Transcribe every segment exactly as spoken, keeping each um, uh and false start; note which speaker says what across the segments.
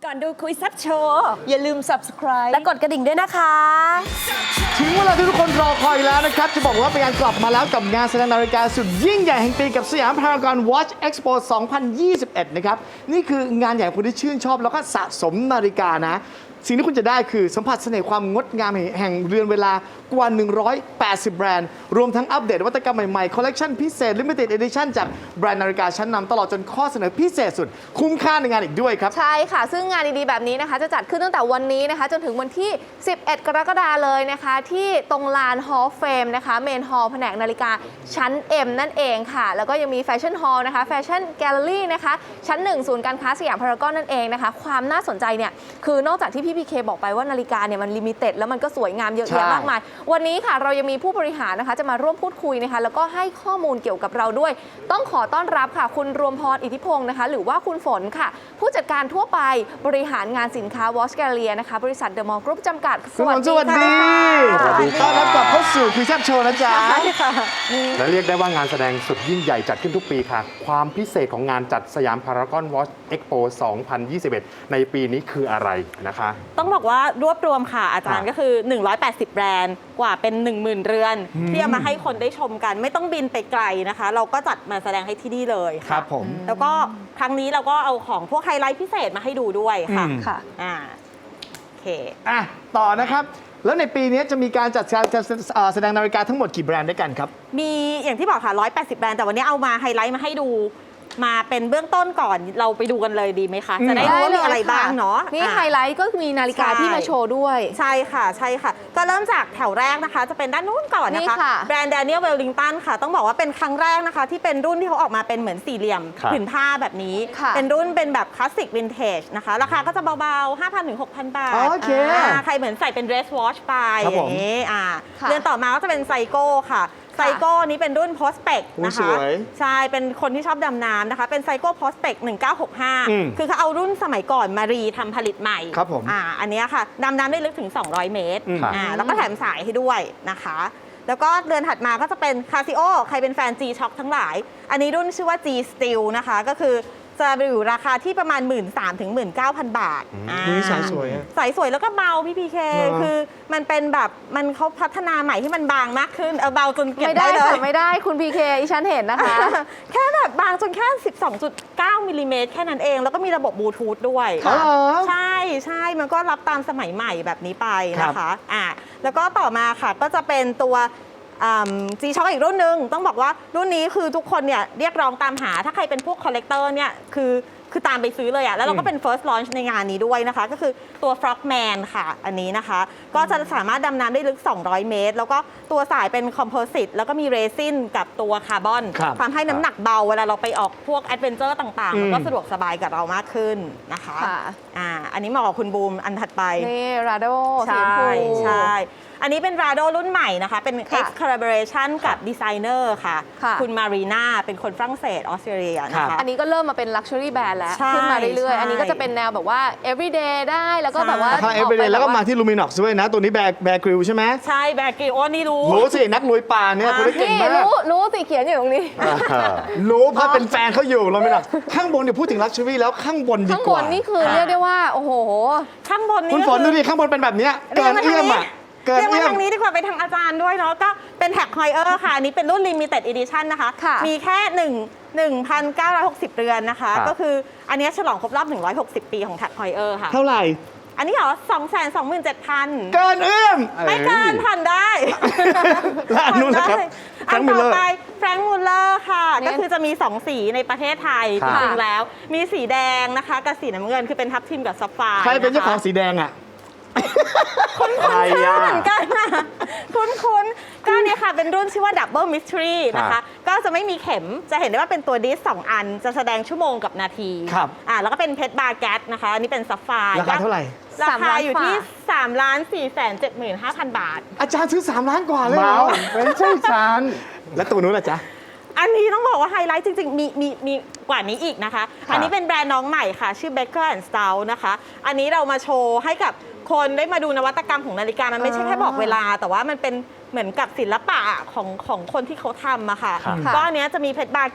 Speaker 1: ก่อนดูคุยแซ่บโชว์อย่าลืม subscribe
Speaker 2: และกดกระดิ่งด้วยนะคะ
Speaker 3: ถึงเวลาที่ทุกคนรอคอยแล้วนะครับ จะบอกว่าเป็นการกลับมาแล้วกับงานแสดงนาฬิกาสุดยิ่งใหญ่แห่งปีกับสยามพารากอน Watch Expo สองพันยี่สิบเอ็ด นะครับ นี่คืองานใหญ่คนที่ชื่นชอบแล้วก็สะสมนาฬิกานะ สิ่งที่คุณจะได้คือสัมผัสเสน่ห์ความงดงามแห่งเรือนเวลากว่า หนึ่งร้อยแปดสิบ แบรนด์ รวมทั้งอัปเดตนวัตกรรมใหม่ๆ คอลเลกชันพิเศษ Limited Edition จากแบรนด์นาฬิกาชั้นนำตลอดจนข้อเสนอพิเศษสุด คุ้มค่าในงานอีกด้วยครับ
Speaker 4: ใช่ค่ะ ซึ่งงานดีๆแบบนี้นะคะจะจัดขึ้นตั้งแต่วันนี้นะคะจนถึงวันที่ สิบเอ็ด กรกฎาคมเลยนะคะ ที่ตรงลาน Hall of Fame นะคะเมนฮอลล์แผนกนาฬิกาชั้น M นั่นเองค่ะ แล้วก็ยังมีแฟชั่นฮอลล์นะคะแฟชั่นแกลเลอรี่นะคะชั้นหนึ่งศูนย์การค้าสยามพารากอนนั่นเองนะคะความน่าสนใจเนี่ยคือนอกจากที่พี่พีเคบอกไปว่านาฬิกาเนี่ยมันลิมิเต็ดแล้วมันก็สวยงามเยอะแยะมากมายวันนี้ค่ะเรายังมีผู้บริหารนะคะจะมาร่วมพูดคุยนะคะแล้วก็ให้ข้อมูลเกี่ยวกับเราด้วย ต้องขอต้อนรับค่ะคุณรวมพรอิทธิพงศ์นะคะหรือว่าคุณฝนค่ะผู้จัดการทั่วไปบริหารงานสินค้า Watch Galleria นะคะบริษัทเดอะมอลล์กรุ๊ปจำกัด
Speaker 3: คุณหมอสวัสดี
Speaker 5: สวัสดีครับ
Speaker 3: ต้อนรับกลับเข้าสู่คุยแซ่บโชว์นะจ๊ะ
Speaker 5: และเรียกได้ว่างานแสดงสุดยิ่งใหญ่จัดขึ้นทุกปีค่ะ ความพิเศษของงานจัดสยามพารากอนวอชเอ็กโป สองพันยี่สิบเอ็ด ในปีนี้คืออะไรนะคะ
Speaker 2: ต้องบอกว่ารวบรวมค่ะอาจารย์
Speaker 5: ค่ะ
Speaker 2: ก็คือ หนึ่งร้อยแปดสิบ แบรนด์กว่าเป็น หนึ่งหมื่น เรือน ที่เอามาให้คนได้ชมกัน ไม่ต้องบินไปไกลนะคะ เราก็จัดมาแสดงให้ที่นี่เลย
Speaker 3: ครั
Speaker 2: ค่ะ
Speaker 3: บผม
Speaker 2: แล้วก็ครั้งนี้เราก็เอาของพวกไฮไลท์พิเศษมาให้ดูด้วยค่ะ
Speaker 3: อืม
Speaker 4: ค่ะ
Speaker 2: อ่าโอเค
Speaker 3: อ่ะต่อนะครับ แล้วในปีนี้จะมีการจัดการเอ่อแสดงนาฬิกาทั้งหมดกี่แบรนด์ด้วยกันครับ
Speaker 2: มีอย่างที่บอกค่ะหนึ่งร้อยแปดสิบ แบรนด์แต่วันนี้เอามาไฮไลท์มาให้ดูมาเป็นเบื้องต้นก่อนเราไปดูกันเลยดีไหมคะ จะได้รู้ว่ามีอะไรบ้างเนาะ
Speaker 4: นี่
Speaker 2: อ่ะ
Speaker 4: ไฮไลท์ก็มีนาฬิกา
Speaker 2: ใช่
Speaker 4: ที่มาโชว์ด้วย
Speaker 2: ใช่ค่ะใช่ค่ะ ก็เริ่มจากแถวแรกนะคะ จะเป็นด้านนู้นก่อน
Speaker 4: นี่
Speaker 2: นะคะ
Speaker 4: ค่ะ
Speaker 2: แบรนด์ Daniel Wellington ค่ะ ต้องบอกว่าเป็นครั้งแรกนะคะ ที่เป็นรุ่นที่เขาออกมาเป็นเหมือนสี่เหลี่ยม
Speaker 5: ครับ
Speaker 2: ผืนผ้าแบบนี้
Speaker 4: ค่ะ
Speaker 2: เป็นรุ่นเป็นแบบคลาสสิกวินเทจนะคะ ราคาก็จะเบาๆ ห้าพัน ถึง หกพัน บาท
Speaker 3: โอเค
Speaker 2: อ่าใครเหมือนใส่เป็น dress watch ไป
Speaker 3: ครับ
Speaker 2: อ
Speaker 3: ผม
Speaker 2: ย่างนี้อ่า
Speaker 4: ค่ะ
Speaker 2: เดือนต่อมาก็จะเป็นไซโก้ค่ะไซโก้นี้เป็นรุ่น Prospect
Speaker 3: โอ้
Speaker 2: นะ
Speaker 3: ส
Speaker 2: คะ
Speaker 3: วย
Speaker 2: ใช่ เป็นคนที่ชอบดำน้ำนะคะ เป็นไซโก้ Prospect หนึ่งเก้าหกห้า
Speaker 3: อืม
Speaker 2: คือเขาเอารุ่นสมัยก่อนมารีทำผลิตใหม่
Speaker 3: ครับผม
Speaker 2: อ่าอันเนี้ยค่ะดำน้ำได้ลึกถึง สองร้อย เมตร
Speaker 3: อืม
Speaker 2: อ่าแล้วก็แถมสายให้ด้วยนะคะ แล้วก็เดือนถัดมาก็จะเป็น Casio ใครเป็นแฟน G-Shock ทั้งหลาย อันนี้รุ่นชื่อว่า G Steel นะคะ ก็คือจะอยู่ราคาที่ประมาณ หนึ่งหมื่นสามพัน ถึง หนึ่งหมื่นเก้าพัน บาทอ่า
Speaker 3: นี่สายสวยอะ
Speaker 2: สายสวยแล้วก็เบาพี่พีเค
Speaker 3: เหรอ
Speaker 2: คือมันเป็นแบบมันเขาพัฒนาใหม่ที่มันบางมากขึ้น เอาเบาจนเก็บ
Speaker 4: ไม่
Speaker 2: ได้
Speaker 4: ได้
Speaker 2: เล
Speaker 4: ค่ะ
Speaker 2: ย
Speaker 4: ไม่ได้คุณพีเคอีฉันเห็นนะคะ
Speaker 2: แค่แบบบางจนแค่ สิบสองจุดเก้า มิลลิเมตรแค่นั้นเอง แล้วก็มีระบบบลูทูธด้วย
Speaker 3: อ๋อเหรอ
Speaker 2: ใช่ใช่มันก็รับตามสมัยใหม่แบบนี้ไปนะ
Speaker 3: ครั
Speaker 2: คะ
Speaker 3: บ
Speaker 2: อ่าแล้วก็ต่อมาค่ะก็จะเป็นตัวจีช็อคอีกรุ่นหนึ่งต้องบอกว่ารุ่นนี้คือทุกคนเนี่ยเรียกร้องตามหาถ้าใครเป็นพวกคอลเลกเตอร์เนี่ยคือคือตามไปซื้อเลยอะแล้วเราก็เป็น first launch ในงานนี้ด้วยนะคะ ก็คือตัว Frogman ค่ะอันนี้นะคะ ก็จะสามารถดำน้ำได้ลึก สองร้อย เมตร แล้วก็ตัวสายเป็นคอมโพสิตแล้วก็มีเรซินกับตัวคาร์บอน
Speaker 3: ครับ
Speaker 2: ทำให้น้ำหนักเบาเวลาเราไปออกพวกแอดเวนเจอร์ต่างๆ
Speaker 3: อืม
Speaker 2: มันก็สะดวกสบายกับเรามากขึ้นนะคะ
Speaker 4: ค่ะ
Speaker 2: อ่าอันนี้เหมาะกับคุณบูมอันถัดไป
Speaker 4: นี่ราโด
Speaker 2: ใช่ใช่ อันนี้เป็น Rado รุ่นใหม่นะคะ เป็น
Speaker 4: ค่ะ
Speaker 2: X collaboration กับดีไซเนอร์ค่ะ
Speaker 4: ค่ะ
Speaker 2: คุณมารีนาเป็นคนฝรั่งเศสออสเตรเลียนะ
Speaker 3: ครั
Speaker 2: คะ
Speaker 3: บ
Speaker 4: อันนี้ก็เริ่มมาเป็น luxury brand แล้ว
Speaker 2: ใช่
Speaker 4: ขึ้นมาเรื่อย
Speaker 2: ใช่
Speaker 4: ๆ อันนี้ก็จะเป็นแนวแบบว่า everyday ได้แล้วก็
Speaker 2: ใช่
Speaker 4: แบบว่า
Speaker 3: ถ้าเอเวอเรแล้วก็มาที่ลูมิน o อกซ์ด้วยนะ ตัวนี้แบร์แบร์กริลใช่ไหม
Speaker 2: ใช่แบกิโอนี่รู้
Speaker 3: รู้สิ นักลุยป่าเนี่ยคนนี้เก่ง
Speaker 4: นี่
Speaker 3: มาก
Speaker 4: รู้รู้สิเขียนอยู่ตรงนี้
Speaker 3: รู้เพราะเป็นแฟนเขาอยู่ลูมิน o อกซ์ข้างบนเดี๋ยวพูดถึงลักชัวรี่แล้วข้างบนดี
Speaker 4: ข้าง
Speaker 3: ก
Speaker 4: บ
Speaker 3: ว่า
Speaker 4: นนี่คือเรียกได้ว่า โอ้โห
Speaker 2: ข้างบนนี้
Speaker 3: คุณฝน
Speaker 2: ก็
Speaker 3: ดู
Speaker 2: คือ
Speaker 3: ดิข้างบนเป็นแบบเนี้ย
Speaker 2: เรี
Speaker 3: เกิ
Speaker 2: ย
Speaker 3: น
Speaker 2: กมา
Speaker 3: เอื้
Speaker 2: ทา
Speaker 3: อง ม
Speaker 2: นี้
Speaker 3: อ่ะเกิน
Speaker 2: เรียกมา
Speaker 3: เอื้อม
Speaker 2: ทางนี้ดีกว่าไปทางอาจารย์ด้วยเนาะก็เป็นแท็กไฮเออร์ค่ะอันนี้เป็นรุ่น limited edition นะคะ
Speaker 4: ค่ะ
Speaker 2: มีแค่1 หนึ่งพันเก้าร้อยหกสิบ เรือนนะคะ
Speaker 5: ครับ
Speaker 2: ก็คืออันเนี้ยฉลองครบรอบ หนึ่งร้อยหกสิบ ปีของแท็กไฮเออร์ค่ะ
Speaker 3: เท่าไหร่
Speaker 2: อันนี้เหรอ สองแสนสองหมื่นเจ็ดพัน
Speaker 3: เกินเอื้อม
Speaker 2: ไม่เกินผ่อนได้
Speaker 3: และอันนู้นนะครับ
Speaker 2: อัน
Speaker 3: Frank
Speaker 2: ต่อ
Speaker 3: Muller
Speaker 2: ไปแฟรงค์มูลเลอร์ค่ะ
Speaker 4: เนี่ย
Speaker 2: ก็คือจะมี สอง สีในประเทศไทย
Speaker 5: ค
Speaker 2: จ
Speaker 5: รับ
Speaker 2: ริงๆแล้ว มีสีแดงนะคะกับสีน้ำเงินคือเป็นทับทิมกับซับไฟร์
Speaker 3: ใครเป็นเจ้าของสีแดงอ่ะ
Speaker 5: ใคร
Speaker 2: ชื่อ
Speaker 5: อ่ะ
Speaker 2: เหมือนกันนะคุ้นๆก็เนี่ยค่ะเป็นรุ่นชื่อว่า Double Mystery นะ
Speaker 5: ครั
Speaker 2: คะ
Speaker 5: บ
Speaker 2: ก็จะไม่มีเข็มจะเห็นได้ว่าเป็นตัวดิสสองอันจะแสดงชั่วโมงกับนาที
Speaker 3: ครับ
Speaker 2: อ่าแล้วก็เป็นเพชรบาร์แกตนะคะอันนี้เป็นซับไฟร์
Speaker 3: ราคาเท่าไหร่
Speaker 2: รา
Speaker 4: สาม
Speaker 2: คา
Speaker 4: ล้าน
Speaker 2: อยู่ที่
Speaker 4: กว่า
Speaker 2: สามล้านสี่แสนเจ็ดหมื่นห้าพัน บาท
Speaker 3: อาจารย์ซื้อสามล้านกว่าเลยเหร
Speaker 5: เมา
Speaker 3: อ
Speaker 5: ไม่ใช่ฉัน
Speaker 3: แล้วตัวนู้นล่ะจ๊ะ
Speaker 2: อันนี้ต้องบอกว่าไฮไลท์จริงๆ มีมีมีกว่านี้อีกนะคะ อันนี้เป็นแบรนด์น้องใหม่ค่ะ ชื่อ Becker and Stout นะคะ อันนี้เรามาโชว์ให้กับคนได้มาดูนวัตกรรมของนาฬิกา มันไม่ใช่แค่บอกเวลา แต่ว่ามันเป็นเหมือนกับศิลปะของของคนที่เขาทำอะค่ะ
Speaker 5: ครับ
Speaker 2: ก็อันเนี้ยจะมีเพชรบาร์แกต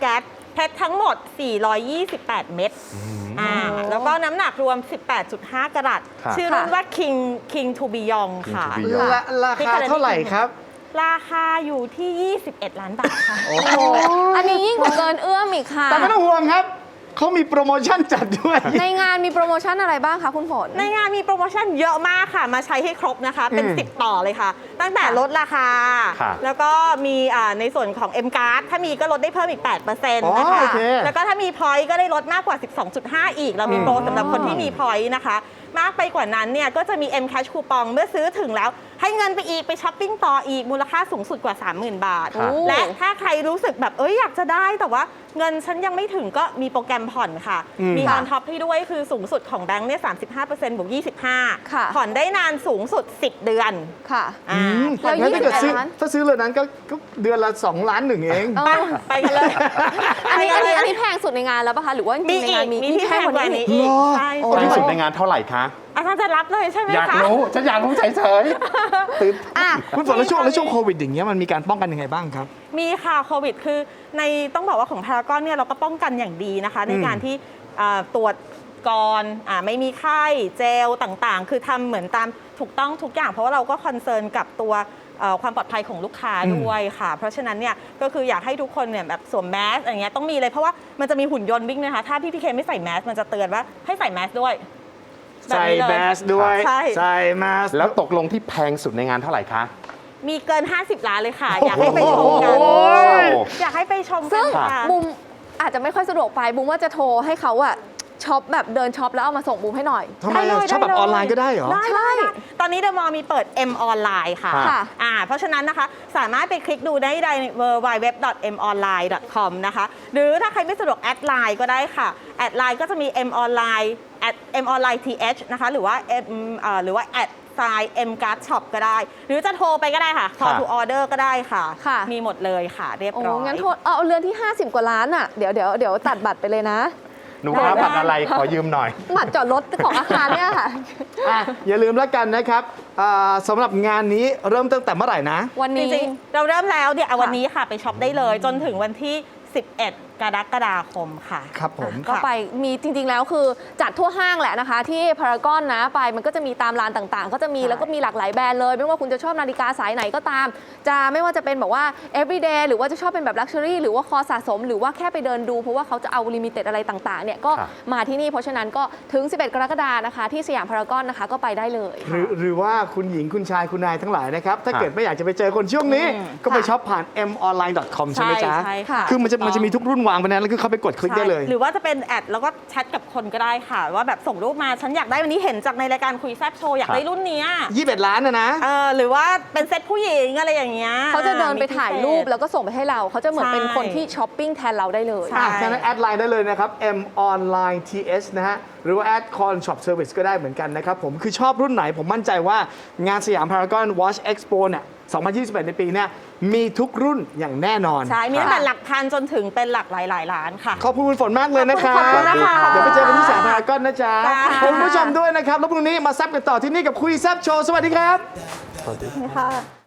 Speaker 2: เพชรทั้งหมด สี่ร้อยยี่สิบแปด เม็ดอ่าแล้วก็น้ำหนักรวม สิบแปดจุดห้า กะรัต
Speaker 5: ครับ
Speaker 2: ชื่อรุ่นว่า King King to Beyond
Speaker 5: King
Speaker 2: ค่ะ
Speaker 5: to Beyond
Speaker 3: ละราคาเท่าไหร่ครับ
Speaker 2: ราคาอยู่ที่ ยี่สิบเอ็ด ล้านบาทค่ะ
Speaker 4: โอ้โหอันนี้ยิ่งกว่าเกินเอื้อมอีกค่ะ
Speaker 3: แต่ไม่ต้องห่วงครับ เขามีโปรโมชั่นจัดด้วย
Speaker 4: ในงานมีโปรโมชั่นอะไรบ้างคะคุณฝน
Speaker 2: ในงานมีโปรโมชั่นเยอะมากค่ะ มาใช้ให้ครบนะคะ เป็น
Speaker 3: อืม
Speaker 2: สิบ ต่อเลยค่ะ ตั้งแต่ลดราคา
Speaker 5: ครับ
Speaker 2: แล้วก็มีอ่าในส่วนของ M Card ถ้ามีก็ลดได้เพิ่มอีก แปดเปอร์เซ็นต์
Speaker 3: อ๋อ
Speaker 2: นะคะ
Speaker 3: โอเค
Speaker 2: แล้วก็ถ้ามี Point ก็ได้ลดมากกว่า สิบสองจุดห้า อีก เรามีโปรสำหรับคนที่มี Point นะคะ มากไปกว่านั้นเนี่ยก็จะมี M Cash คูปองเมื่อซื้อถึงแล้ว ให้เงินไปอีกไปช้อปปิ้งต่ออีกมูลค่าสูงสุดกว่า สามหมื่น บาท
Speaker 5: ครับ
Speaker 2: และถ้าใครรู้สึกแบบเอ้ยอยากจะได้แต่ว่าเงินฉันยังไม่ถึงก็มีโปรแกรมผ่อนค่ะ
Speaker 3: อืม
Speaker 2: มีออนท็อปให้ด้วยคือสูงสุดของแบงค์เนี่ย สามสิบห้าเปอร์เซ็นต์ บวก ยี่สิบห้า
Speaker 4: ค่ะ
Speaker 2: ผ่อนได้นานสูงสุด สิบ เดือน
Speaker 4: ค่ะ
Speaker 2: อ่า
Speaker 3: อืม
Speaker 4: แล้ว
Speaker 3: งั้นถ้าเกิดซื้อ
Speaker 4: ยี่สิบล้าน
Speaker 3: ถ้าซื้อเลยนั้นก็ก็เดือนละสองล้านหนึ่งเอง
Speaker 4: เอ
Speaker 2: ไป
Speaker 4: อ
Speaker 2: ไปกันเลย
Speaker 4: อันนี้
Speaker 2: ไป
Speaker 4: อัน
Speaker 2: กั
Speaker 4: นี้
Speaker 2: เลย
Speaker 4: อันนี้แพงสุดในงานแล้วปะคะ หรือว่าจ
Speaker 2: มี
Speaker 4: ริงๆใน
Speaker 2: อี
Speaker 4: งาน
Speaker 2: ก
Speaker 4: มี
Speaker 2: มีที่แพงกว่านี้อีก
Speaker 3: เหรอ
Speaker 2: ใช่
Speaker 4: โอ้
Speaker 5: แพง
Speaker 2: ใช่
Speaker 5: สุดในงานเท่าไหร่คะ
Speaker 2: อาจารย์จะรับเลยใช่ไหม
Speaker 5: อยาก
Speaker 2: คะ
Speaker 5: รู้ ฉันอยากรู้เฉยๆตื่น
Speaker 4: อ่ะ
Speaker 3: คุณฝนแล้วช่วงแล้วช่วงโควิดอย่างเงี้ยมันมีการป้องกันยังไงบ้างครับ
Speaker 2: มีค่ะโควิดคือในต้องบอกว่าของพารากอนเนี่ยเราก็ป้องกันอย่างดีนะคะ ในการที่อ่าตรวจก่อนอ่าไม่มีไข้เจลต่างๆ คือทำเหมือนตามถูกต้องทุกอย่าง เพราะว่าเราก็คอนเซิร์นกับตัวเอ่อความปลอดภัยของลูกค้าด้วยค่ะ เพราะฉะนั้นเนี่ยก็คืออยากให้ทุกคนเนี่ยแบบสวมแมสอย่างเงี้ยต้องมีเลยเพราะว่ามันจะมีหุ่นยนต์วิ่งนะคะถ้าพี่พีเคไม่ใส่แมสมันจะเตือนว่าให้ใส่แมสด้วยแบบ
Speaker 3: ใส่
Speaker 2: นี้เลย
Speaker 3: แมสด้วย
Speaker 2: ใช่
Speaker 3: ใส่แมส
Speaker 5: แล้วตกลงที่แพงสุดในงานเท่าไหร่คะ
Speaker 2: มีเกิน ห้าสิบ ล้านเลยค่ะ อยากให้ไปชมกัน
Speaker 3: โอ้ย
Speaker 2: อยากให้ไปชม
Speaker 4: ซึ่
Speaker 2: กั
Speaker 4: ง
Speaker 2: นค่ะ
Speaker 4: บุมอาจจะไม่ค่อยสะดวกไปบุมว่าจะโทรให้เขาอะช็อปแบบเดินช็อปแล้วเอามาส่งบุมให้หน่อย
Speaker 3: ทำไม
Speaker 2: ได้
Speaker 3: อะ
Speaker 2: เลย
Speaker 3: ชอบแบบ
Speaker 2: ได้เลย
Speaker 3: ออนไลน์ก็ได้เหรอ
Speaker 2: ได้
Speaker 4: ใช่
Speaker 2: ได้ตอนนี้เดอะมอลล์มีเปิด M ออนไลน์ค่ะ
Speaker 4: ค่ะ
Speaker 2: อ่าเพราะฉะนั้นนะคะสามารถไปคลิกดูได้ใน ดับเบิลยู ดับเบิลยู ดับเบิลยู ดับเบิลยู ดอท เอ็ม ออนไลน์ ดอท คอม นะคะ หรือถ้าใครไม่สะดวกแอดไลน์ก็ได้ค่ะ แอดไลน์ก็จะมี M ออนไลน์ M ออนไลน์ ที เอช นะคะ หรือว่า M เอ่อหรือว่าแอดไซน์ M Card Shop ก็ได้ หรือจะโทรไปก็ได้ค่ะ call to order ก็ได้ค่ะ
Speaker 4: ค่ะ
Speaker 2: มีหมดเลยค่ะ เรียบ
Speaker 4: โอ้
Speaker 2: ร้อย
Speaker 4: งั้นโทรเอาเอาเรือนที่ ห้าสิบ กว่าล้านอะเดี๋ยวเดี๋ยวเดี๋ยวตัดบัตรไปเลยนะ
Speaker 5: หนูครับบัตรอะไรขอยืมหน่อย
Speaker 4: บัตรจอดรถของอาคารเนี่ยค่ะ
Speaker 3: อ่ะอย่าลืมแล้วกันนะครับอ่าสำหรับงานนี้เริ่มตั้งแต่เมื่อไหร่นะ
Speaker 4: วัน
Speaker 2: จ
Speaker 4: นี้
Speaker 2: ริงๆ เราเริ่มแล้วเนี่ยเอา
Speaker 4: ค่ะ
Speaker 2: วันนี้ค่ะไปช็อปได้เลย จนถึงวันที่ สิบเอ็ด กรกฎาคมค่ะ
Speaker 3: ครับผม
Speaker 4: ก็ไปมีจริง ๆ แล้วคือจัดทั่วห้างแหละนะคะ ที่พารากอนนะไปมันก็จะมีตามร้านต่างๆ ก็จะมี
Speaker 2: ใช่
Speaker 4: แล้วก็มีหลากหลายแบรนด์เลย ไม่ว่าคุณจะชอบนาฬิกาสายไหนก็ตาม จะไม่ว่าจะเป็นแบบว่า everyday หรือว่าจะชอบเป็นแบบ luxury หรือว่าคอสะสม หรือว่าแค่ไปเดินดู เพราะว่าเขาจะเอา limited อะไรต่างๆเนี่ยก็
Speaker 5: ครับ
Speaker 4: มาที่นี่เพราะฉะนั้นก็ถึง สิบเอ็ด กรกฎานะคะ ที่สยามพารากอนนะคะก็ไปได้เลย
Speaker 3: หรือหรือว่าคุณหญิงคุณชายคุณนายทั้งหลายนะครับ ถ้า
Speaker 5: ครับ
Speaker 3: เกิดไม่อยากจะไปเจอคนช่วงนี้
Speaker 2: อืม
Speaker 3: ก็ไป
Speaker 4: ค่ะ
Speaker 3: ช็อปผ่าน เอ็ม ออนไลน์ ดอท คอม ใช่ไหมจ๊ะ
Speaker 2: ใช่ค่ะ
Speaker 3: คือมันจะมันจะมีทุกรุ่นวางไปนะแล้วคือเขาไปกดคลิกได้เลย
Speaker 2: ใช่หรือว่าจะเป็นแอดแล้วก็แชทกับคนก็ได้ค่ะ ว่าแบบส่งรูปมาฉันอยากได้วันนี้เห็นจากในรายการคุยแซบโชว์อยากได้รุ่นเนี้ย
Speaker 3: ยี่สิบเอ็ดล้านนะนะ
Speaker 2: เออหรือว่าเป็นเซ็ตผู้หญิงอะไรอย่างเงี้ย
Speaker 4: เขาจะเดินไป
Speaker 2: มีพิเศษ
Speaker 4: ถ่ายรูปแล้วก็ส่งไปให้เรา เขาจะเหมือนเป็น
Speaker 2: ใช่
Speaker 4: คนที่ช้อปปิ้งแทนเราได้เลย
Speaker 2: ใช่
Speaker 3: อ่ะฉะนั้นแอดไลน์ได้เลยนะครับ M Online ที เอช นะฮะ หรือว่าแอด Con Shop Service ก็ได้เหมือนกันนะครับผม คือชอบรุ่นไหนผมมั่นใจว่างานสยามพารากอน Watch Expo เนี่ย สองพันยี่สิบเอ็ด ในปีเนี้ยมีทุกรุ่นอย่างแน่นอน
Speaker 2: ใช่ มีตั้งแต่หลักพันจนถึงเป็นหลักหลายหลายๆล้านค่ะ
Speaker 3: ขอบคุณคุณฝนมากเลยนะครับ
Speaker 2: ขอบคุณนะคะ
Speaker 3: เดี๋ยวไปเจอกันที่สยามพารากอนนะจ๊ะ
Speaker 2: จ้า
Speaker 3: ขอบคุณผู้ชมด้วยนะครับ แล้วพรุ่งนี้มาแซบกันต่อที่นี่กับคุยแซบโชว์ สวัสดีครับ
Speaker 2: ค่ะ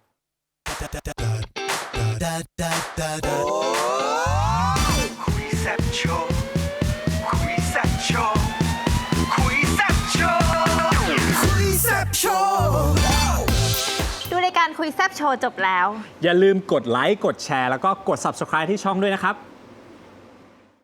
Speaker 6: คุยแซ่บโชว์คุยแซ่บโชว์คุยแซ่บโชว์คุยแซ่บโชว์
Speaker 1: ดูรายการคุยแซบโชว์จบแล้ว
Speaker 7: อย่าลืมกดไลค์ กดแชร์ แล้วก็กด Subscribe ที่ช่องด้วยนะครับ